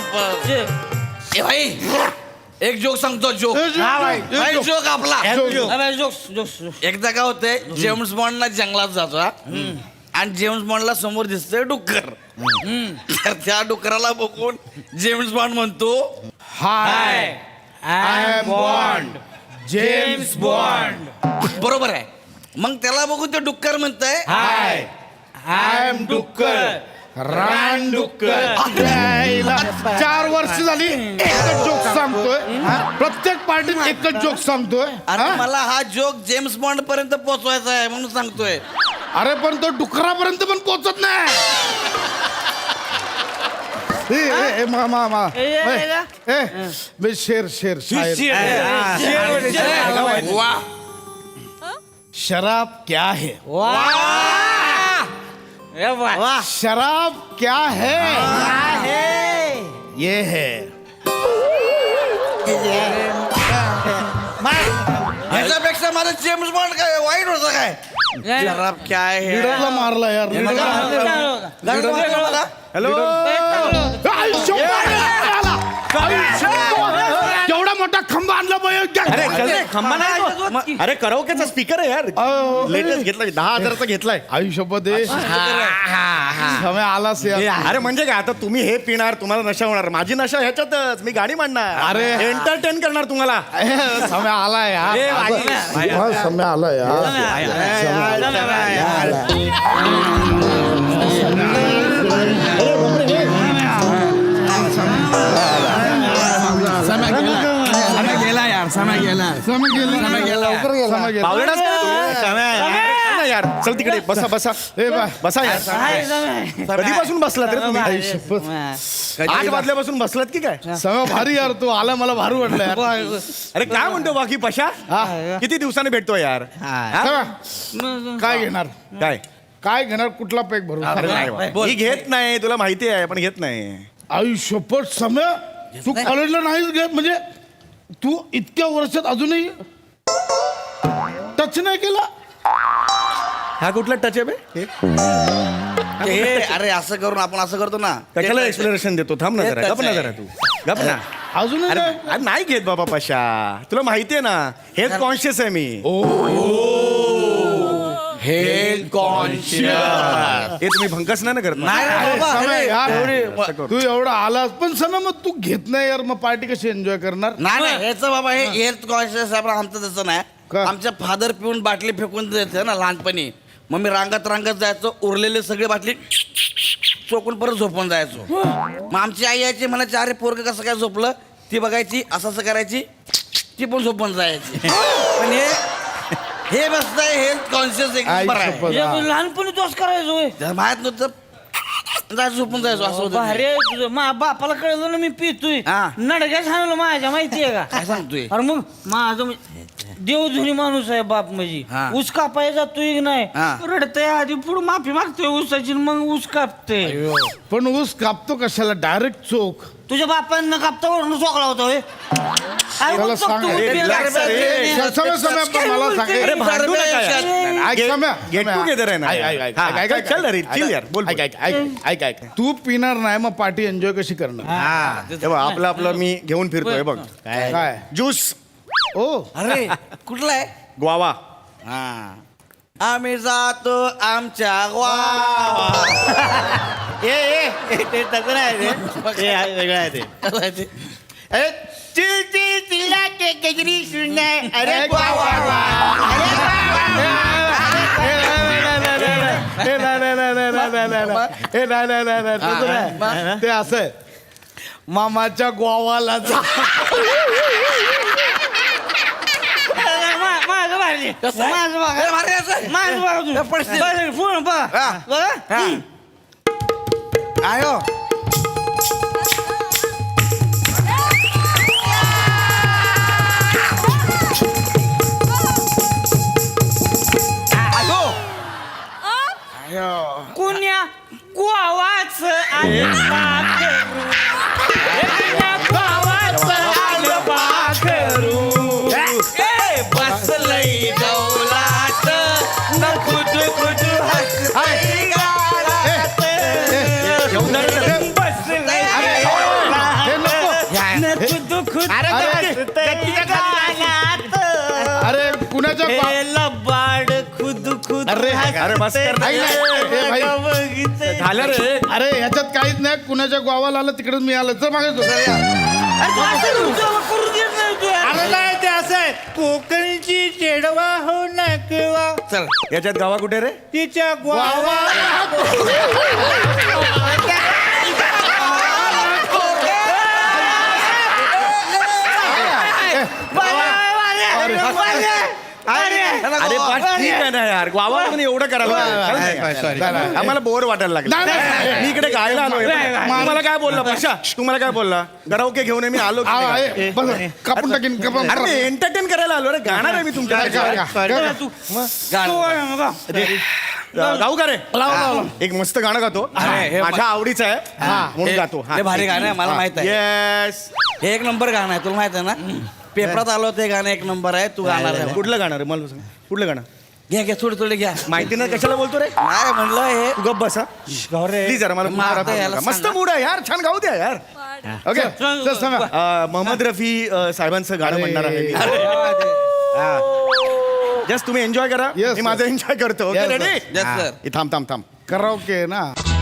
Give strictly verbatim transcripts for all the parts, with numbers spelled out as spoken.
बाप ए भाई एक जोक सांगतो जोक हा भाई, भाई जोक. जोक आपला जोक्स जोक्स एकदा काय होतंय जेम्स बॉन्डला जंगलात जातो हा. आणि जेम्स बॉन्डला समोर दिसतंय डुक्कर तर त्या डुकराला बघून जेम्स बॉन्ड म्हणतो hi I am Bond James Bond बरोबर आहे मग त्याला बघून ते डुक्कर म्हणतंय हाय आय एम डुक्कर रान डुक्कर चार वर्ष झाली एकच जोक सांगतोय प्रत्येक पार्टीत एकच जोक सांगतोय आणि हा? मला हा जोक जेम्स बॉन्ड पर्यंत पोहोचवायचा आहे म्हणून सांगतोय अरे पण तो डुकरापर्यंत पण पोहोचत नाही ए, ए, ए, मा मा मा ए, ए, बे शेर शेर शायर वा शराब क्या है शराब क्या है ये है ह्याच्यापेक्षा माझं जेम्स बॉन्ड काय वाईट होतं काय शराब काय आहे लीडरला मारला यार लीडरला हॅलो केवढा मोठा खंबा आणला अरे खंबा नाही अरे कराओकेचा स्पीकर आहे यार लेटेस्ट घेतलाय दहा हजाराचा घेतलाय आयुष्यपत समय आलास यार अरे म्हणजे काय आता तुम्ही हे पिणार तुम्हाला नशा होणार माझी नशा ह्याच्यातच मी गाणी मांडणार अरे. एंटरटेन करणार तुम्हाला समय आला यार समय आला गेला यार समय गेला समय गेला समय गेला बावळटाच का तू? यार चल तिकडे बसा बसा ए बा बसा यार कधीपासून बसलात रे तुम्ही आठ वाजल्यापासून बसलात की काय समय भारी यार तू आला मला भारी वाटलं यार अरे काय म्हणतो बाकी पशा किती दिवसाने भेटतो यार हा? समय, काय घेणार काय काय घेणार कुठला पॅक भरून अरे नाही बा. मी घेत नाही तुला माहिती आहे पण घेत नाही आयुष्यपट समय तू कॉलेजला नाहीच घेत म्हणजे तू इतक्या वर्षात अजूनही टच नाही केला हा कुठला टच आहे बे हे? हे अरे असं करून आपण असं करतो ना कशाला एक्सप्लेनेशन देतो थांब ना जरा गप ना जरा तू गप ना अजूनही अरे नाही अरे नाही घेत बाबा पशा तुला माहिती आहे ना हेच कॉन्शियस आहे मी हेल्थ कॉन्शियस हे तुम्ही भंकस नाही ना करत ना? नाही रे अरे, बाबा, समय अरे. यार अरे. तू एवढा आलास पण समय मग तू घेत नाही यार मग पार्टी कशी एन्जॉय करणार नाही नाही ह्याचं बाबा हे हेल्थ कॉन्शियस आहे पण आमचं तसं नाही का? आमच्या फादर पिऊन बाटली फेकून द्यायचं ना लहानपणी मग मी रांगत रांगत जायचो उरलेले सगळे बाटली चोकून परत झोपून जायचो मग आमची आई यायची म्हणायची अरे पोरग कसं काय झोपलं ती बघायची असं असं करायची ती पण झोपून जायची पण हे हे बसतंय हेल्थ कॉन्शियस एक आई नंबर आहे शपथ, हा. लहानपणी तोच करायचो जर माहित नव्हतं जायचं झोपून जायचो असं होतं ते. भारी तुझं मा बापाला कळलं ना मी पितोय हा. नडक्या सांगलं माझ्या माहितीये का काय सांगतोय अरे मग माझं म्हणजे देवधुनी माणूस आहे बाप म्हणजे हा. ऊस कापाय जातोय की नाही हा. रडतय आधी पुढे माफी मागतोय ऊसाची आणि मग ऊस कापते पण ऊस कापतो कशाला डायरेक्ट चोख तुझ्या बापांना कापता वरून चोकला होता होय अरे त्याला मग सांग, चोकतो अरे, उभी relax आहे. रे. समय समय पण मला सांग अरे भांडू नका यार. ऐक समय गेट टुगेदर आहे ना ऐक, ऐक, ऐक, हा, ऐक, ऐक, चल रे ऐक, चिल ऐक, यार बोल ऐक, ऐक, ऐक, ऐक, ऐक. तू पिणार नाही मग पार्टी एन्जॉय कशी करणार तेव्हा आपलं आपलं मी घेऊन फिरतोय बघ काय ज्यूस ओ अरे कुठला आहे ग्वावा हा आम्ही जातो आमच्या गावा ए ए ते तसं नाही ते हे आहे, वेगळं आहे ते अरे चिल चिल चिला के गजरी सुननाय अरे वा वा वा अरे वा हे नाही, नाही, नाही, नाही, नाही, नाही, नाही, नाही. हे नाही, नाही, नाही, नाही, तसं नाही. ते असं आहे. मामाच्या गोवाला जा मा- माझं भारी कसं आहे? माझं बघा. हे भारी असं आहे. माझं बघा तुम्ही. हे पडशील. बघा, पूर्ण बघा. हा. बघा. हा. आयो कुण्या कुवाच आलं पाखरू. हे कुण्या कुवाच आलं पाखरू. ए, बसलंय डौलात न खुद खुद हसतंय गालात. बसलंय डौलात अरे अरे बस कर ना. ऐक ना, ए, भाई. बघितलंय. झालं रे. अरे ह्याच्यात काहीच नाही कुणाच्या गावाला आलं तिकडेच मी आलं तर मागे अरे तू असं तुझ्यावर करून देत नाही तू यार. अरे नाही ते असं आहे कोकणची चेडवा हो नकवा चल याच्यात गावा कुठे रे तिच्या ग्वावा अरे पण ठीक आहे ना यार गावा म्हणून एवढं करायला आम्हाला बोर वाटायला लागलं नाही, नाही. मी इकडे गायला आलोय तुम्हाला काय बोलला पशा तुम्हाला काय बोलला गरावके घेऊन ये, मी आलो की नाही? आहे. बस, कापून टाकीन कापून अरे एंटरटेन करायला आलो रे गाणार आहे मी तुमच्या तू गाऊ का रे लाव, लाव, लाव. एक मस्त गाणं गातो अरे, हे माझ्या आवडीचं आहे म्हणून हे- गातो हे भारी गाणं आहे मला माहित आहे येस हे एक नंबर गाणं आहे तुला माहित आहे ना पेपरात आलं होतं हे गाणं एक नंबर आहे तू गाणार आहे कुठलं गाणं रे मला सांग कुठलं गाणं घ्या घ्या थोडी थोडी घ्या माहिती नाही कशाला बोलतो रे काय म्हणलं हे तू गप्प बसा प्लीज जरा मला मग आता याला मस्त सांगा. मूड आहे यार छान गाऊ द्या यार ओके चल, सांगा. अं, मोहम्मद रफी अं, साहेबांचं गाणं म्हणणार आहे मी. जस्ट तुम्ही एन्जॉय करा Yes, मी माझं एन्जॉय करतो okay Yes, ready Yes, sir. थांब थांब थांब कराओके ना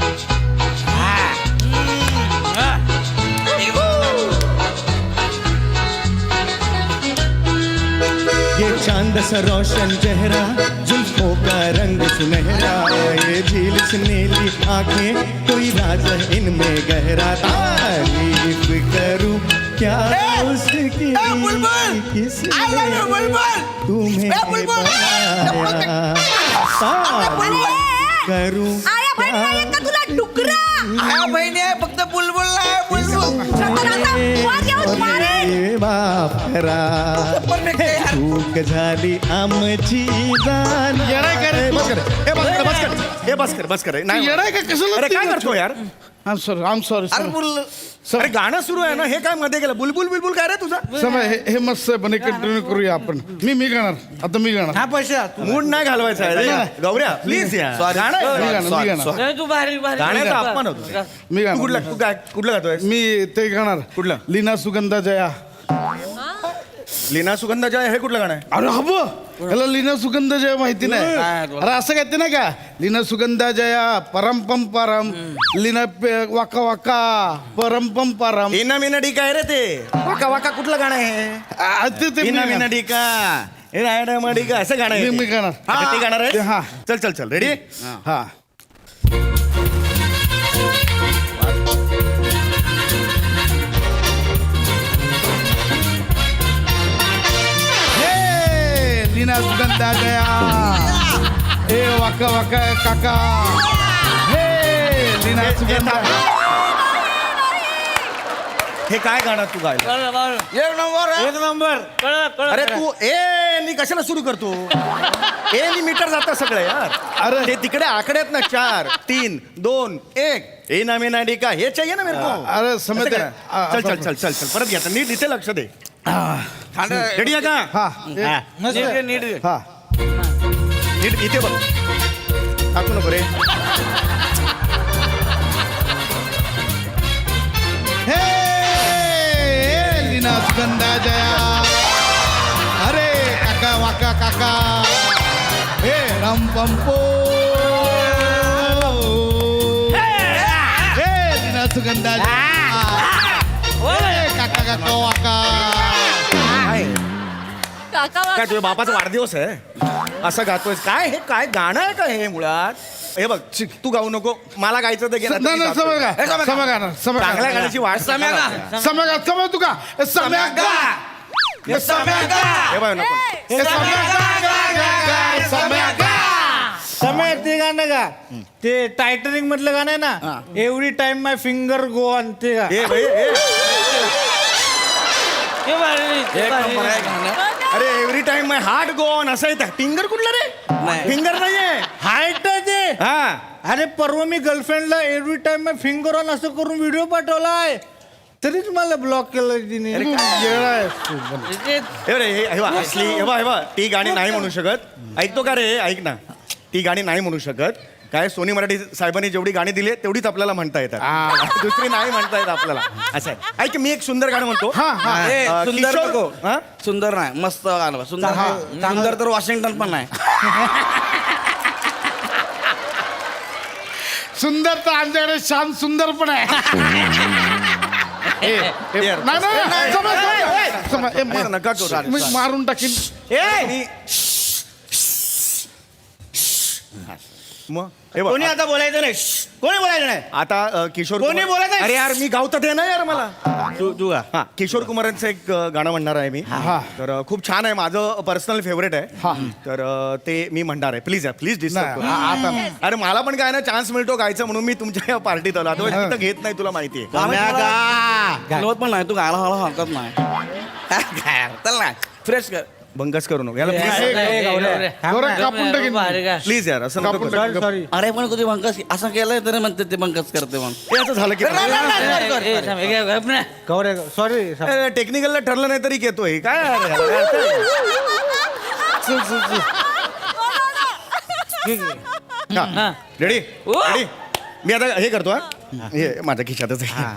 ये चांद सा रोशन चेहरा जुल्फों का रंग सुनहरा ये झील से नीली आंखें कोई राज है इनमें गहरा तारीफ करूं क्या उसकी किसने तुम्हें बनाया तारीफ करूं आया बहीण नाही का तुला डुकरा हा, बहिणी आहे फक्त बुलबुल आहे बुलबुल वर येऊन मारेन ये बाप करा चूक झाली आमची जाण येडाय का रे? बस कर हे बस कर बस कर हे बस कर बस कर नाही येडाय का कशाला अरे काय करतो यार आम सॉरी आम सॉरी अरे बुल अरे गाणं सुरू आहे ना हे काय मध्ये गेलं बुलबुल बिलबुल काय रे तुझा समय हे हे मस्त आहे पण हे कंटिन्यू करूया आपण मी मी गाणार आता मी गाणार हा पैसा मूड नाही घालवायचा आहे रे. नाही. गौऱ्या प्लीज यार Sorry. गाणं आहे. मी गाणार मी गाणार नाही, तू भारी भारी गाण्याचा अपमान होतो मी तू कुठला गाणार तू काय कुठलं गातोय मी ते गाणार कुठलं? लीना सुगंधा जया लीना सुगंधाच्या हे कुठलं गाणं आहे अरे हब याला लीना सुगंध जया माहिती नाही काय? अरे असं कहते ना का लीना सुगंधा जया परम पम परम लीना पे- वाका वाका परम पम परम मीना मीना डी काय रे ते वाका वाका कुठलं गाणं आहे आ, ते ते मी मीना मीना गाणार. डी का हे रायडा मडी का असं गाणं आहे मी- मी ते. गाणार. अच्छा, ते गाणार आहे हा. चल चल चल रेडी हा हे, लीना सुगंधा जया ए वाका वाका काका हे लीना सुगंधा हे काय गाणं तू गायलं कळलं, कळलं. एक नंबर आहे. एक नंबर कळलं, कळलं. अरे तू ए नी कशाला सुरू करतो ए नी मीटर जातं सगळं यार अरे ते तिकडे आकडे आहेत ना चार तीन दोन एक ए ना मी ना डी का हे चाहिए ना मेरे को अरे असं समय करा. चल चल चल चल चल परत घ्या आता. नीट इथे लक्ष दे थंड रेडी आहे का हा हा. नीट घे, नीट घे. हा नीट इथे बघ टाकू नको रे हे लीना सुगंधा जया अरे काका वाका काका हे राम पंपो हे लीना सुगंधा जया हे काका काका वाका काका काय तुझ्या बापाचा वाढदिवस आहे असं गातोय काय हे काय गाणं आहे का हे मुळात हे बघ चिक, तू गाऊ नको मला गायचं तर घे, नाही नाहीतर मी नाही गातोय. समय का समय गाणार समय चांगल्या गाणार गाण्याची वाट सम्या गा. समय गा समय तू का समय गा हे सम्या गा. हे बघ नको हे समय गा गा गा गा समय गा समय ते गाणं का ते टायटनिक मधलं गाणं आहे ना every time my finger go on ते गा. हे भाई, हे. ते भारी, ते एक भारी. नंबर आहे गाणं अरे every time my heart go on असं येतं फिंगर कुठलं रे नाही. फिंगर नाहीये हाईट आहे ते हा अरे परवा मी गर्लफ्रेंडला every time my finger on असं करून व्हिडिओ पाठवलाय तरीच मला ब्लॉक केलं तिने तू येडा आहेस तू. ते- हे रे हे हे बघ, असली हे बघ, हे बघ, ती गाणी नाही म्हणू शकत ऐकतो का रे ऐक ना ती गाणी नाही म्हणू शकत काय सोनी मराठी साहेबांनी जेवढी गाणी दिली आहेत, तेवढीच आपल्याला म्हणता येतात दुसरी नाही म्हणता येत आपल्याला असं आहे ऐक मी एक सुंदर गाणं म्हणतो हा हा ए, अं, सुंदर किशोर- नको हा? सुंदर नाही मस्त गाणं सुंदर सुंदर तर वॉशिंग्टन पण नाही सुंदर तर आमच्याकडे श्याम सुंदर पण आहे ए, ए, यार. नाही, नाही, नाही, समज, समज, समज. ए, असं नका करू. मा- मी मारून टाकीन मग हे बघ, कोणी आता बोलायचं नाही कोणी बोलायचं नाही आता अ, किशोर कोणी कुमार- बोलत आहे? अरे यार मी गावतात आहे ना यार मला तू तू का हा किशोर कुमारांचं एक अ, गाणं म्हणणार आहे मी हा. तर अ, खूप छान आहे माझं पर्सनल फेवरेट हा. आहे तर अ, ते मी म्हणणार आहे प्लीज प्लीज डिस्टर्ब नाही, आ- आता अरे मला पण काय ना चान्स मिळतो गायचं म्हणून मी तुमच्या या पार्टीत आलो आता तिथं घेत नाही तुला माहिती आहे तुला पण नाही तू गायला हळू हरकत नाही चल ना फ्रेश कर बंगस करू नको याला गौरव कापून टाकीन प्लीज यार असं नको कापून करू. टाकीन. सॉरी अरे पण कधी बंकस असं केलंय तरी म्हणते ते बंकस करते म्हणून हे असं झालं की गौरे सॉरी टेक्निकलला ठरलं नाही तरी घेतोय काय यार याला? हा. रेडी रेडी मी आता हे करतो हा हे माझ्या खिशातच आहे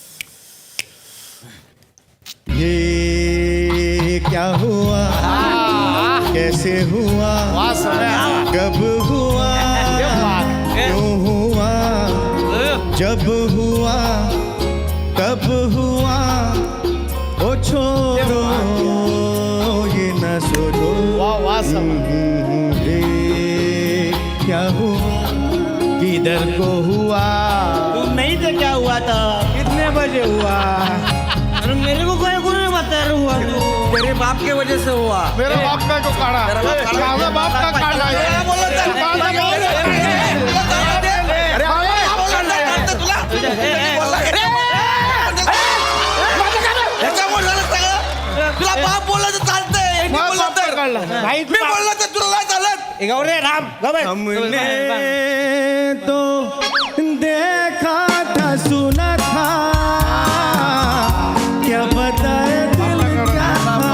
ये क्या हुआ कैसे हुआ कब हुआ क्यों हुआ जब हुआ तब हुआ ओ छोड़ो ये न सोचो हम्म, ये क्या हुआ किधर को हुआ तू नहीं तो क्या हुआ था कितने बजे हुआ अरे मेरे को कोई कोई नहीं बता रहा हुआ तू तेरे बाप के वजह से हुआ मेरा बाप काय को काढा मेरा बाप काढा. माझा बाप का काढला काय बोलला तर? माझा बाप अरे ह्याच्यामुळे झालं सगळं तुला बाप बोलला तर चालतंय मी बोलला तर काढला भाई मी बोलला तर तुला नाही चालत गौरे राम गौरे हमने तो देखा था सुना था क्या बताए दिल क्या था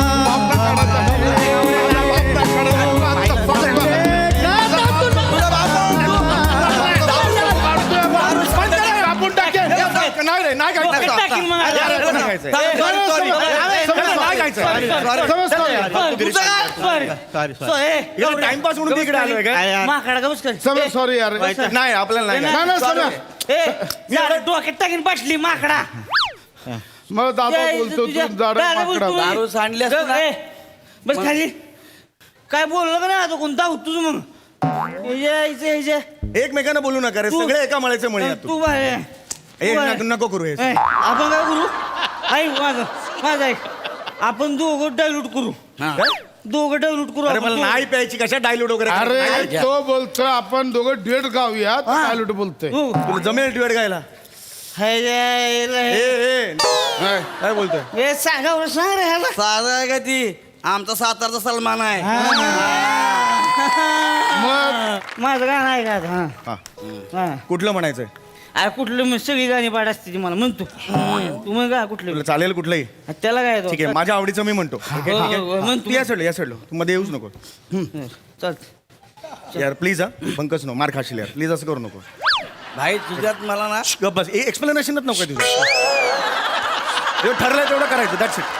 कापून टाकेन नाही रे नाही गायचं. टाकीन मग आता. यार, नाही गायचं. सॉरी नाही गायचं. समज सॉरी तुझं काय इकडे टाइमपास म्हणून तिकडे आलोय काय माकडा का बस समज सॉरी यार नाही आपल्याला नाही नाही गायचं. नाही समज ए डोक्यात टाकीन बसली माकडा मग दादा ए, बोलतो तुझ्या- तू जाड दादा बोलतो. माकडा दारू सांडली असती ना. ए, बस खाली काय बोललं का नाही आता कोणता होतोच मग हे जे- हे जे- हे जे. एकमेकांना बोलू नका रे तू- सगळे एका मळ्याचे मळी आहात तू तू बाहेर ये. ए, तू बाहेर. नको- नको करू हे ए, आपण काय करू ऐक माझं माझं ऐक आपण दोघं डायल्यूट करू हा. दोघं डायल्यूट करू अरे आपण मला दोघं. नाही प्यायची कशा डायलूट वगैरे अरे तो बोलतोय आपण दोघं डेट गाऊया काय लुट बोलतोय तू. तुला जमेल ड्युएट गायला हे जे- ए हे- ए काय बोलतोय हे सांगा बरं, सांग रे ह्याला साधा आहे का ती आमचा सातारचा सलमान आहे मग माझं गाणं आहे का हा हा हा कुठलं म्हणायचंय अरे कुठलं मी सगळी गाणी पाठ असते ती मला म्हणतो तू मग का कुठलं तुला चालेल कुठलंही त्याला काय येतो? ठीक आहे माझ्या आवडीचं मी म्हणतो ठीक आहे, हो, ठीक हो, हो, आहे म्हण तू या सोडलं या सोडलं तू मध्ये येऊच नको चल यार प्लीज हा पंकज नो मार खाशील यार प्लीज असं करू नको भाई तुझ्यात मला ना गप बस एक्सप्लेनेशनच नको तुझं जेवढं ठरलंय तेवढं करायचं दॅट्स इट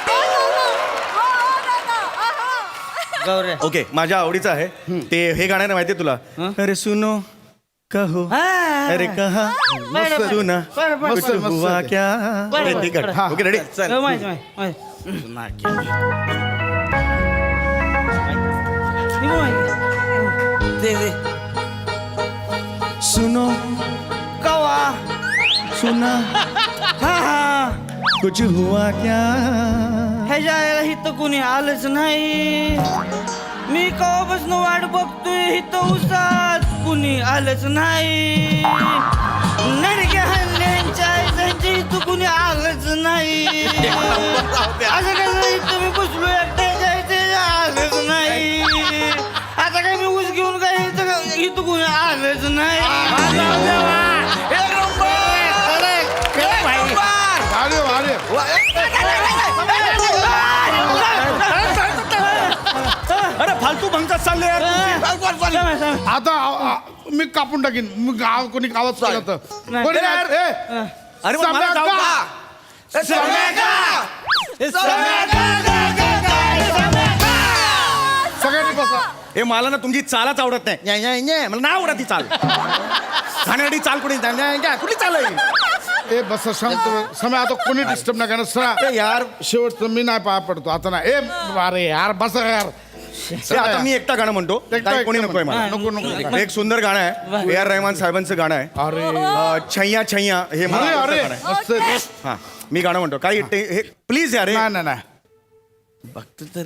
गौऱ्या ओके माझ्या आवडीचं आहे ते हे गाणं आहे माहितीये तुला अरे सुनो कहो अरे कहा बरं, सुना बरं, बरं, कुछ बरं, हुआ बरं. क्या बरं, हे ठीक बरं. आहे ओके रेडी हो, माहिती माहिती माहिती. नाकी. ती पण माहिती. दे दे सुनो कवा सुना हा हा कुछ हुआ क्या ह्याच्या आईला हिथं कुणी आलंच नाही मी कवापासून वाट बघतोय हिथं उसात कुणी आलंच नाही नडक्या हल्ल्यांच्या आईच्या इथं कुणी आलंच नाही असं कसं इथं मी बसलो एकट्याच्या इथे आलंच नाही आता काय मी ऊस घेऊन काय इथं इथं कुणी आलंच नाही एक नंबर एक नंबर अरे अरे अरे फालतू भंकत चालले यार आता आ- आ- मी कापून टाकीन मी गाव कोणी गावात केलं तर नाही. कोणी यार. ए, अरे मग मला जाऊ का? सगळ्यांनी बसा हे मला ना तुमची चालच आवडत नाही न्या, न्या, न्या. मला नाही आवडत ती चाल खाण्यासाठी चाल कुठे काय कुठली चाल आहे ए बस शांत समय आता कोणी डिस्टर्ब नाही करणार सरा ए, यार शेवटचं मी नाही पाया पडतो आता ना ए अरे यार बस यार ए, आता मी एकटा गाणं म्हणतो एकटा- काय कोणी एकटा नकोय मला नको नको एक सुंदर गाणं आहे ए आर रहमान साहेबांचं गाणं आहे अरे अं, छैया छैया हे मला अरे आवडतं अरे गाणं आहे. मस्त आहे. हा मी गाणं म्हणतो काय ते- हे प्लीज यार हे. नाही नाही नाही बघतो तर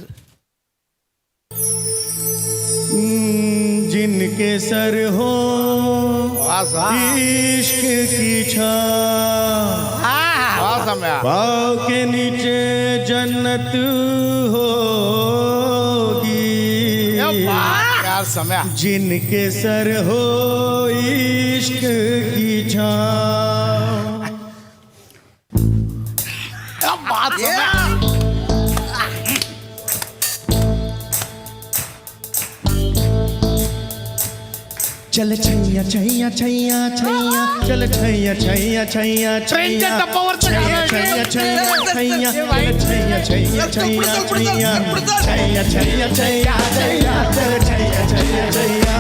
जिनके सर हो वासा इश्क की छाँव वासा मैं पाँव के नीचे जन्नत होगी यार समय जिनके सर हो इश्क की छाँव बात समय चल छैया छैया छैया छैया चल छैया छैया छैया ट्रेनच्या छैया टप्पावरचं गाणं आहे. छैया छैया छैया चल छैया छैया छैया छैया छैया छैया छैया छैया चल छैया छैया छैया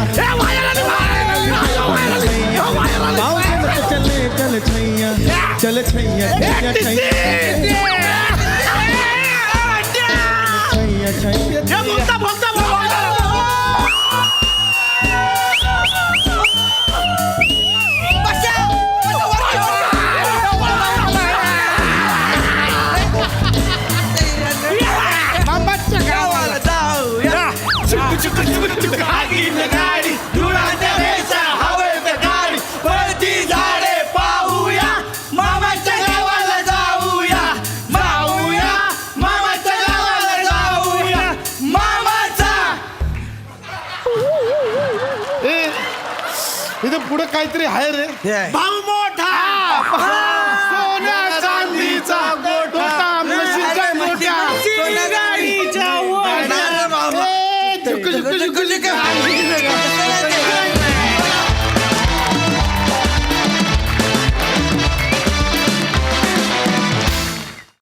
पाँव के मत चले चल छैया चल छैया छैया छैया छैया छैया इथे पुढे काहीतरी आहे रे भाऊ मोठा सोन्या चांदीचा गोठा म्हशीचा गोठा गाडीच्या ए, झुक, झुक, झुक, झुक.